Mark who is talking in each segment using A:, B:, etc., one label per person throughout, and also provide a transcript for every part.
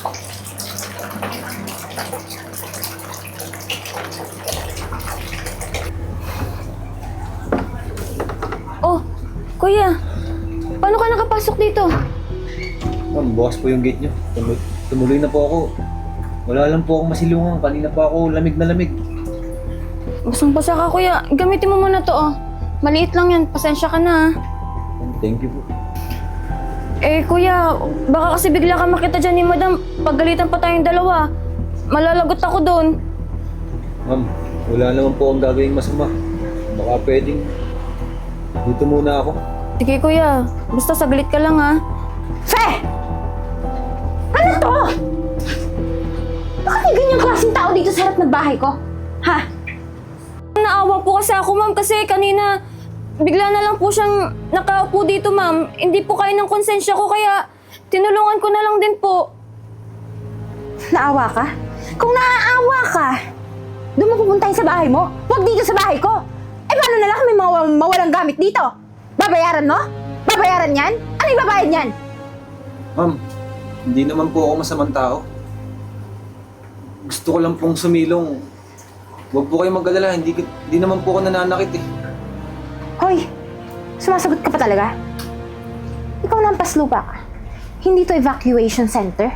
A: Oh, kuya. Paano ka nakapasok dito?
B: Ma'am, bukas po yung gate nyo. Tumuloy na po ako. Wala lang po akong masilungan. Kanina pa ako lamig na lamig.
A: Basang-basa ka, kuya. Gamitin mo muna to, oh. Maliit lang yan. Pasensya ka na, ah.
B: Thank you po.
A: Eh, kuya, baka kasi bigla ka makita dyan ni madam. Paggalitan pa tayong dalawa. Malalagot ako doon.
B: Ma'am, wala naman po akong gagawing masama. Baka pwedeng dito muna ako.
A: Sige, kuya. Basta saglit ka lang, ah.
C: Fe! Ano to? Bakit may ganyang klaseng tao dito sa harap ng bahay ko? Ha?
A: Naawa po kasi ako, ma'am, kasi kanina bigla na lang po siyang nakaupo dito, ma'am. Hindi po kayo ng konsensya ko, kaya tinulungan ko na lang din po.
C: Naawa ka? Kung naaawa ka, doon mo pupuntahin sa bahay mo. Huwag dito sa bahay ko. Eh, paano na lang kung may mga mawalang gamit dito? Babayaran mo? Babayaran yan? Ano yung babayad yan?
B: Ma'am, hindi naman po ako masamang tao. Gusto ko lang pong sumilong. Huwag po kayong mag-alala. Hindi naman po ako nananakit eh.
C: Hoy, sumasagot ka pa talaga? Ikaw na ang paslupa ka. Hindi to evacuation center.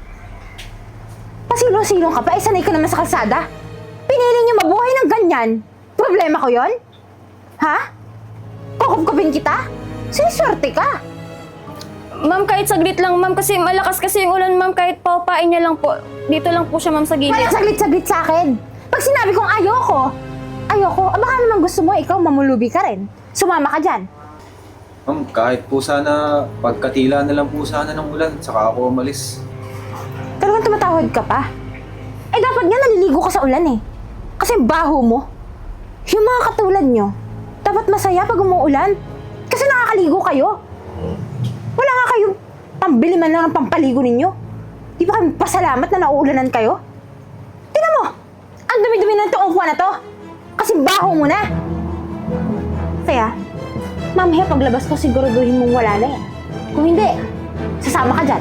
C: Pasilong-silong ka pa, sanay ka naman sa kalsada. Pinili niyo mabuhay ng ganyan. Problema ko yon? Ha? Kukup-kupin kita? Siniswerte ka.
A: Ma'am, kahit saglit lang, ma'am, kasi malakas kasi yung ulan, ma'am, kahit paupain niya lang po. Dito lang po siya, ma'am, sa gilid.
C: Walang saglit-saglit sa akin. Pag sinabi kong ayoko, baka naman gusto mo ikaw mamulubi ka rin. Sumama ka dyan.
B: Ma'am, kahit po sana pagkatila na lang po sana ng ulan, saka ako umalis.
C: Talagang tumatawad ka pa. Eh dapat nga naliligo ka sa ulan eh. Kasi baho mo. Yung mga katulad nyo, dapat masaya pag umuulan. Kasi nakakaligo kayo. Wala nga kayo pambili man lang ng pampaligo ninyo. Di ba kayo pasalamat na nauulanan kayo? Tingnan mo! Ang dumi-dumi ng itong upuan na to. Kasi baho mo na. Kaya, mamaya paglabas ko siguraduhin mong wala na yan. Kung hindi, sasama ka dyan.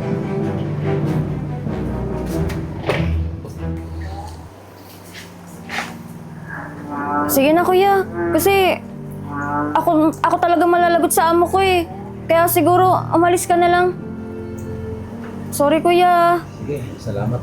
A: Sige na, kuya. Kasi ako talaga malalagot sa amo ko eh. Kaya siguro umalis ka na lang. Sorry, kuya.
B: Sige, salamat.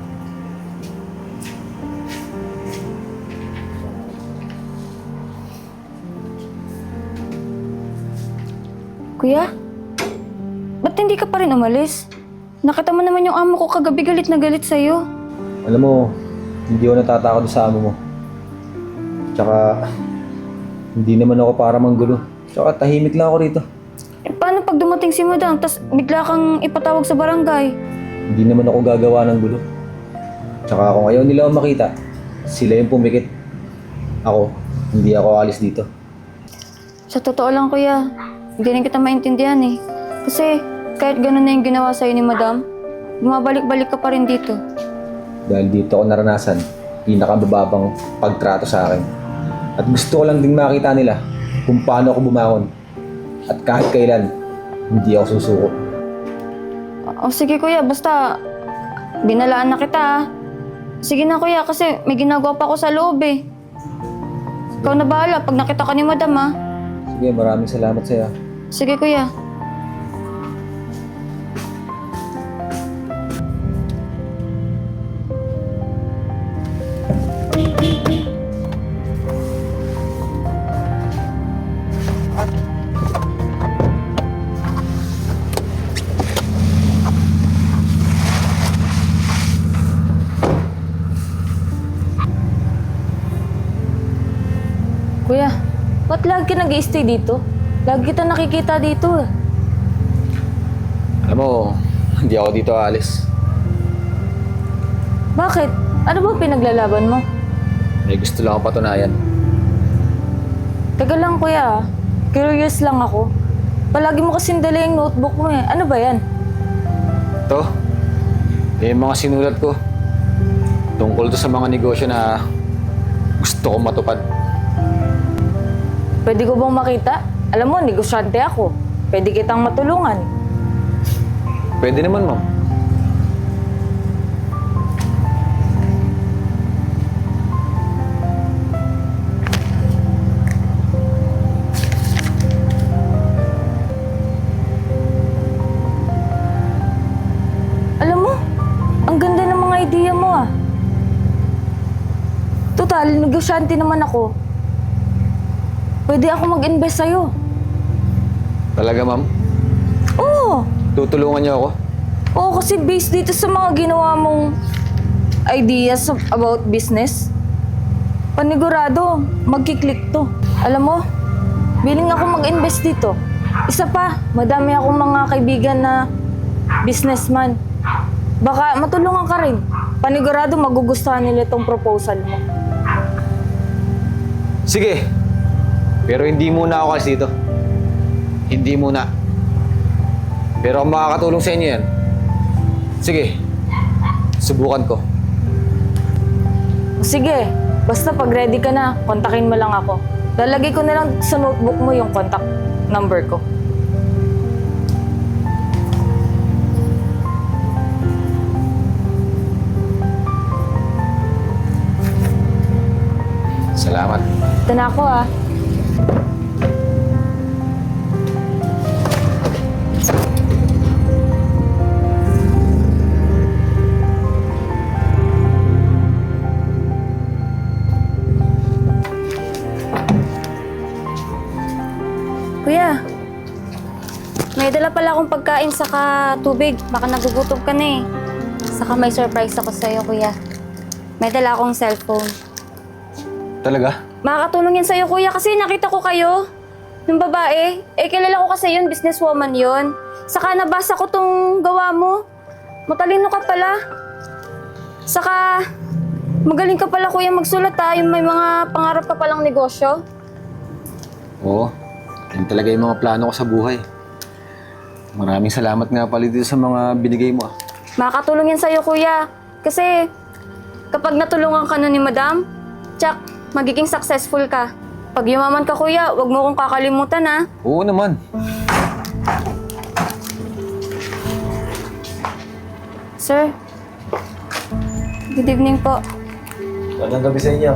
A: Kuya? Ba't hindi ka pa rin umalis? Nakita mo naman yung amo ko kagabi galit na galit sa'yo.
B: Alam mo, hindi ako natatakot sa amo mo. Tsaka, hindi naman ako para manggulo. Tsaka tahimik lang ako rito.
A: Eh, paano pag dumating si madam, tas bigla kang ipatawag sa barangay?
B: Hindi naman ako gagawa ng gulo. Tsaka kung ayaw nila ako makita, sila yung pumikit. Ako, hindi ako alis dito.
A: Sa totoo lang, kuya, hindi rin kita maintindihan eh. Kasi kahit ganun na yung ginawa sa'yo ni madam, bumabalik-balik ka pa rin dito.
B: Dahil dito ako naranasan, pinakamababang pagtrato sa akin. At gusto ko lang ding makita nila kung paano ako bumangon. At kahit kailan, hindi ako susuko.
A: O sige, kuya, basta binalaan na kita ah. Sige na, kuya, kasi may ginagawa pa ako sa loob eh. Ikaw na bahala pag nakita ka ni madam ah.
B: Sige, maraming salamat sa'yo.
A: Sige, kuya. Kuya, ba't lagi ka nag-i-stay dito? Lagi kita nakikita dito eh.
B: Alam mo, hindi ako dito aalis.
A: Bakit? Ano ba pinaglalaban mo?
B: May gusto lang ako patunayan.
A: Teka lang, kuya. Curious lang ako. Palagi mo kasing dala yung notebook mo eh. Ano ba yan?
B: Ito, yung mga sinulat ko. Tungkol to sa mga negosyo na gusto kong matupad.
A: Pwede ko bang makita? Alam mo, negosyante ako. Pwede kitang matulungan.
B: Pwede naman, ma'am.
A: idea mo ah. Total, negosyante naman ako. Pwede ako mag-invest sa'yo.
B: Talaga, ma'am?
A: Oo.
B: Tutulungan niyo ako?
A: Oo, kasi based dito sa mga ginawa mong ideas about business, panigurado, magkiklik to. Alam mo, willing ako mag-invest dito. Isa pa, madami akong mga kaibigan na businessman. Baka matulungan ka rin. Panigurado, magugustuhan nila itong proposal mo.
B: Sige. Pero hindi muna ako kasi dito. Hindi muna. Pero kung makakatulong sa inyo yan, sige. Subukan ko.
A: Sige, basta pag ready ka na, kontakin mo lang ako. Lalagay ko na lang sa notebook mo yung contact number ko.
B: Salamat.
A: Ito na ako ah. Kuya, may dala pala akong pagkain saka tubig. Baka nagugutom ka na eh. Saka may surprise ako sa'yo, kuya. May dala akong cellphone.
B: Talaga?
A: Makakatulong yan sa'yo, kuya, kasi nakita ko kayo. Yung babae. Eh, kilala ko kasi yun, businesswoman yun. Saka nabasa ko tong gawa mo. Matalino ka pala. Saka, magaling ka pala, kuya, magsulat ha. Yung may mga pangarap ka palang negosyo.
B: Oo. Yan talaga yung mga plano ko sa buhay. Maraming salamat nga pala dito sa mga binigay mo.
A: Makakatulong yan sa'yo, kuya. Kasi, kapag natulungan ka na ni madam, tsak, magiging successful ka. Pag yumaman ka, kuya, wag mo kong kakalimutan, ha?
B: Oo naman.
A: Sir, good evening po.
B: Magandang gabi sa inyo.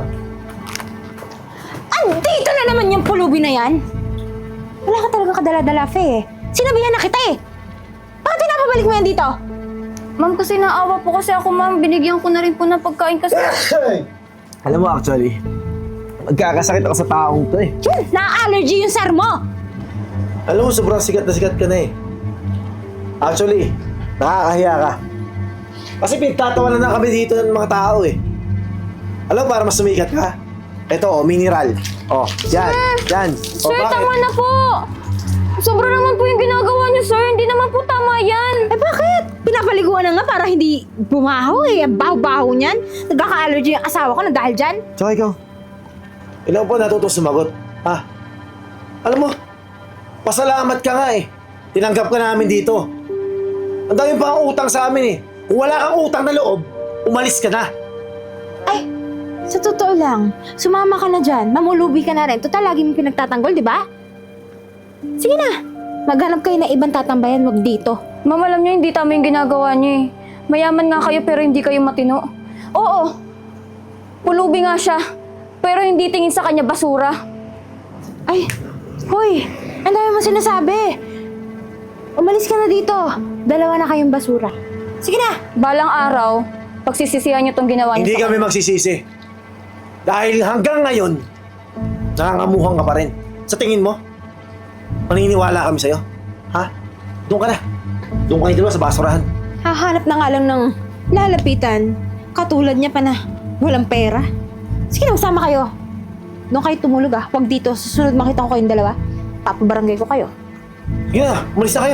C: Andito na naman yung pulubi na yan! Wala ka talaga kadala-dala, Fe eh. Sinabihan na kita eh! Bakit pinapabalik mo yan dito?
A: Ma'am, kasi naawa po kasi ako, ma'am. Binigyan ko na rin po ng pagkain kasi...
D: Alam mo actually, magkakasakit ako sa taong to eh.
C: Yun! Na-allergy yung sir mo!
D: Alam mo, sobrang sikat na sikat ka na eh. Actually, nakakahiya ka. Kasi pinagtatawanan na kami dito ng mga tao eh. Alam mo, para mas sumikat ka? Ito, mineral. Oh, yan, yan.
A: Sir, tama na po! Sobra naman po yung ginagawa niyo, sir. Hindi naman po tama yan.
C: Eh bakit? Pinapaliguan na nga para hindi bumaho eh. Ang baho-baho niyan. Nagkaka-allergy yung asawa ko na dahil dyan.
D: Tsaka ikaw, ilang po natutong sumagot, ha? Alam mo, pasalamat ka nga eh. Tinanggap ka namin dito. Ang dami pa ang utang sa amin eh. Kung wala kang utang na loob, umalis ka na.
C: Ay, sa totoo lang, sumama ka na dyan. Mamulubi ka na rin. Total, lagi mo pinagtatanggol, di ba? Sige na, maghanap kayo na ibang tatambayan, wag dito.
A: Ma'am, alam niyo, hindi tama yung ginagawa niyo eh. Mayaman nga kayo pero hindi kayo matino. Oo, pulubi nga siya. Pero hindi tingin sa kanya basura.
C: Ay, hoy, ang dami mo sinasabi. Umalis ka na dito. Dalawa na kayong basura. Sige na.
A: Balang araw, pagsisisihan niyo tong ginawa niyo
D: Hindi
A: sa
D: kami
A: kanya.
D: magsisisi. Dahil hanggang ngayon, nangangamuhang ka pa rin. Sa tingin mo, maniniwala kami sa'yo. Ha? Doon ka na. Doon kayo dalawa sa basurahan.
C: Hahanap na nga lang ng lalapitan. Katulad niya pa na walang pera. Sige na, usama kayo. Doon kayo tumulog ah. Huwag dito. Susunod makita ko kayong dalawa. Papabarangay ko kayo.
D: Sige na, umalis na kayo.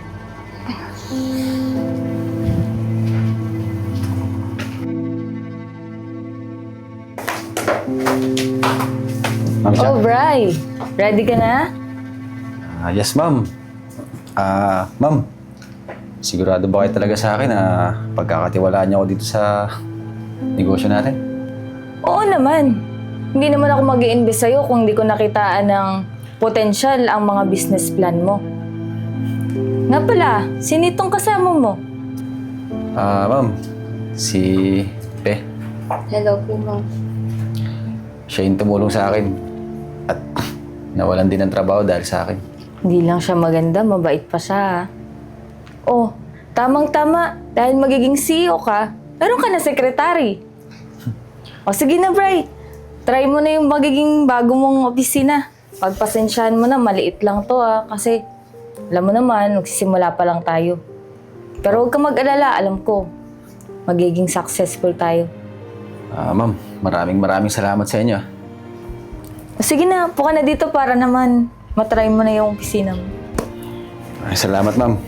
B: Ma'am Jack?
A: Oh, Bri. Ready ka na?
B: Yes, ma'am. Ma'am, sigurado ba kayo talaga sa akin na pagkakatiwalaan niyo ako dito sa negosyo natin?
A: Oo naman. Hindi naman ako mag-i-invest sa'yo kung hindi ko nakitaan ng potensyal ang mga business plan mo. Nga pala, sinitong kasama mo?
B: Ma'am, si Pe.
A: Hello po, ma'am.
B: Siya yung tumulong sa akin at nawalan din ng trabaho dahil sa akin.
A: Hindi lang siya maganda, mabait pa siya. Oh, tamang-tama. Dahil magiging CEO ka, Meron ka na sekretary. O sige na, Bri. Try mo na yung magiging bago mong opisina. Pagpasensyahan mo na, maliit lang to kasi alam mo naman, magsisimula pa lang tayo. Pero huwag ka mag-alala, alam ko, magiging successful tayo.
B: Ma'am, maraming salamat sa inyo.
A: O sige na, puka na dito para naman matry mo na yung opisina mo.
B: Ay, salamat, ma'am.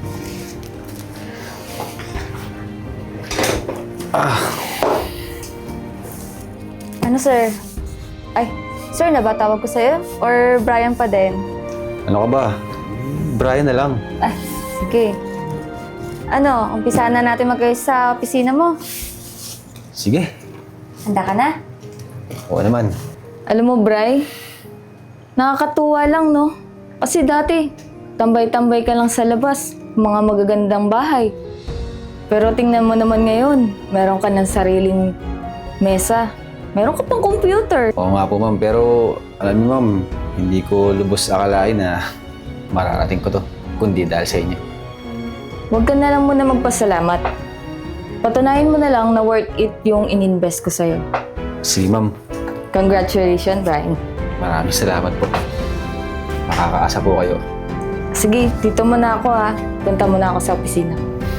A: Ano, sir? Ay, sir, nabatawag ko sa'yo? Or Brian pa din?
B: Ano ka ba? Brian na lang.
A: Ah, sige. Ano, umpisahan na natin mag-ayos sa opisina mo.
B: Sige.
A: Handa ka na?
B: Oo naman.
A: Alam mo, Bri, nakakatuwa lang, no? Kasi dati, tambay-tambay ka lang sa labas, mga magagandang bahay. Pero tingnan mo naman ngayon, meron ka ng sariling mesa. Meron ka pang computer.
B: Oo nga po, ma'am. Pero alam niyo, ma'am, hindi ko lubos akalain na mararating ko to. Kundi dahil sa inyo.
A: Huwag ka na lang muna magpasalamat. Patunayan mo na lang na worth it yung ininvest ko sa'yo.
B: Sige, ma'am.
A: Congratulations, Brian.
B: Maraming salamat po. Makakaasa po kayo.
A: Sige, dito muna ako Punta muna ako sa opisina.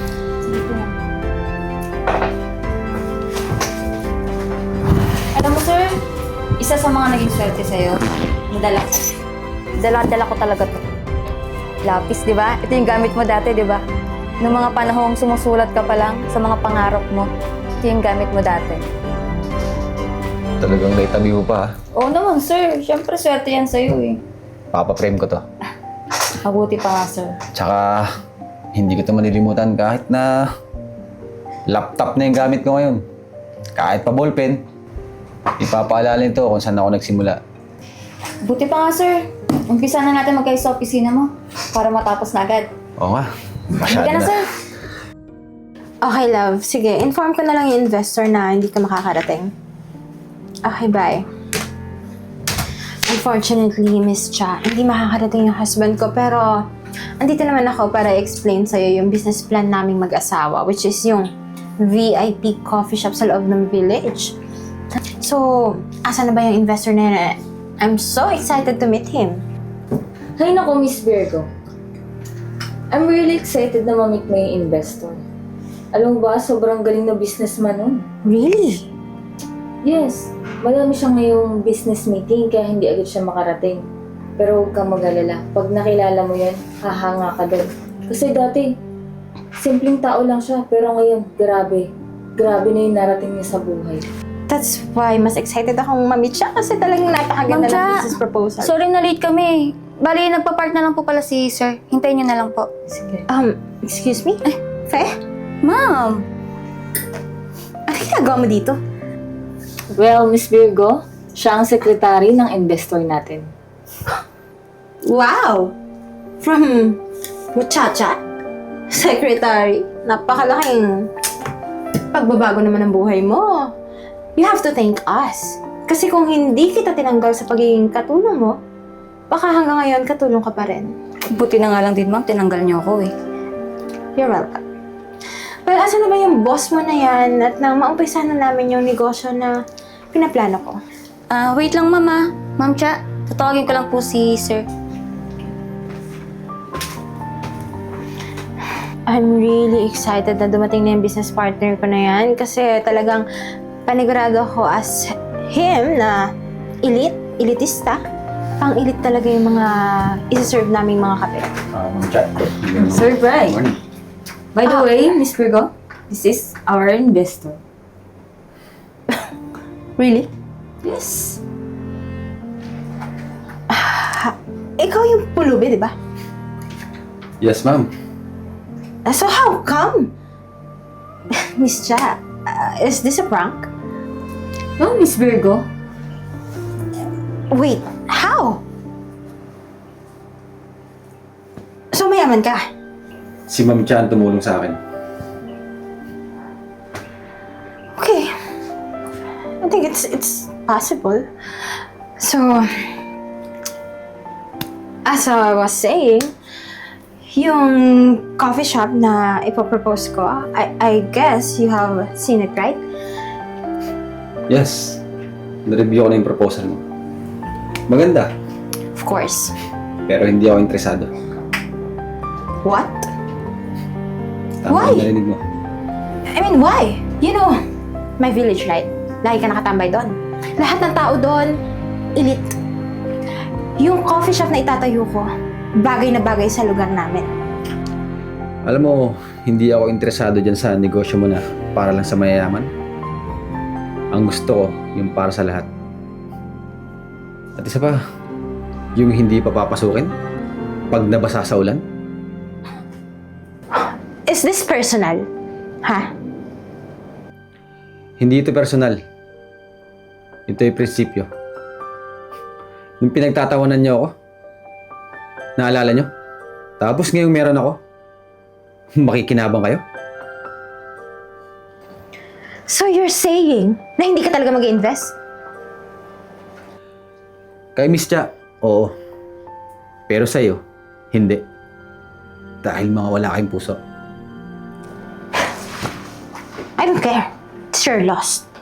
A: Alam mo, sir, isa sa mga naging swerte sa'yo, nadala ko. Dala-dala ko talaga to. Lapis, di ba? Ito yung gamit mo dati, di ba? Noong mga panahong sumusulat ka pa lang sa mga pangarap mo, ito yung gamit mo dati.
B: Talagang naitabi mo pa, ha?
A: Oo naman, sir. Siyempre, swerte yan sa'yo eh.
B: Papaprame ko to.
A: Mabuti pa nga, sir.
B: Tsaka, hindi ko ito malilimutan kahit na laptop na yung gamit ko ngayon. Kahit pa ballpen, ipapaalala nito kung saan ako nagsimula.
A: Buti pa nga, sir. Umpisa na natin magkayo sa opisina mo para matapos na agad.
B: Oo nga.
A: Hindi ka na, sir.
C: Okay, love. Sige, inform ko na lang yung investor na hindi ka makakarating. Okay, bye. Unfortunately, Miss Cha, hindi makakarating yung husband ko, pero andito naman ako para explain sa'yo yung business plan naming mag-asawa, which is yung VIP coffee shop sa loob ng village. So, asa na ba yung investor na yun? I'm so excited to meet him.
A: Hay nako, Miss Virgo. I'm really excited na ma-meet mo yung investor. Alam mo ba, sobrang galing na businessman nun.
C: Really?
A: Yes, madami siya ngayong business meeting kaya hindi agad siya makarating. Pero huwag kang mag-alala. Pag nakilala mo yan, hahanga ka doon. Kasi dati, simpleng tao lang siya. Pero ngayon, grabe. Grabe na yung narating niya sa buhay.
C: That's why mas excited akong ma-meet siya kasi talagang napakaganda
E: Ma'am Cha,
C: ng business proposal.
E: Sorry na late kami. Bali, nagpa-park na lang po pala si sir. Hintayin niyo na lang po.
A: Sige.
C: Excuse me? Fe?
E: Ma'am!
C: Ano ginagawa mo dito?
A: Well, Miss Virgo, siya ang sekretary ng investor natin.
C: Wow! From muchacha? Secretary? Napakalaking pagbabago naman ng buhay mo. You have to thank us. Kasi kung hindi kita tinanggal sa pagiging katulong mo, baka hanggang ngayon katulong ka pa rin.
E: Buti na nga lang din, ma'am. Tinanggal niyo ako eh.
C: You're welcome. Well, asa na ba yung boss mo na yan at nang maumpisa na namin yung negosyo na pinaplano ko?
E: Wait lang, mama. Ma'am Cha, tatawagin ko lang po si sir.
C: I'm really excited na dumating na yung business partner ko na yan kasi talagang panigurado ko as him na elitista. Pang-elite talaga yung mga isa-serve naming mga kape.
B: Chat.
A: Sir Brian. By the way, Miss Virgo, this is our investor.
C: Really?
A: Yes.
C: Ikaw yung pulubi, di ba?
B: Yes, ma'am.
C: So how come? Miss Cha, is this a prank?
A: No, Miss Virgo.
C: Wait, how? So mayaman ka?
B: Si Ma'am Chan tumulong sa akin.
C: Okay. I think it's possible. So, as I was saying, Yung coffee shop na ipopropose ko, I guess you have seen it, right?
B: Yes. Na-review ko na yung proposal mo. Maganda.
C: Of course.
B: Pero hindi ako interesado.
C: What?
B: Tama
C: Why?
B: yung narinig mo.
C: I mean, why? You know, my village, right? Lagi ka nakatambay doon. Lahat ng tao doon, elite. Yung coffee shop na itatayo ko, bagay na bagay sa lugar namin.
B: Alam mo, hindi ako interesado dyan sa negosyo mo na para lang sa mayayaman. Ang gusto ko, yung para sa lahat. At isa pa, yung hindi pa papasukin pag nabasa sa ulan.
C: Is this personal? Ha?
B: Hindi ito personal. Ito yung prinsipyo. Yung pinagtatawanan niyo ako, naalala niyo? Tapos ngayong meron ako, makikinabang kayo?
C: So you're saying na hindi ka talaga mag-invest?
B: Kay Miss Cha, oo. Pero sa'yo, hindi. Dahil mga wala kayong puso.
C: I don't care. It's your loss.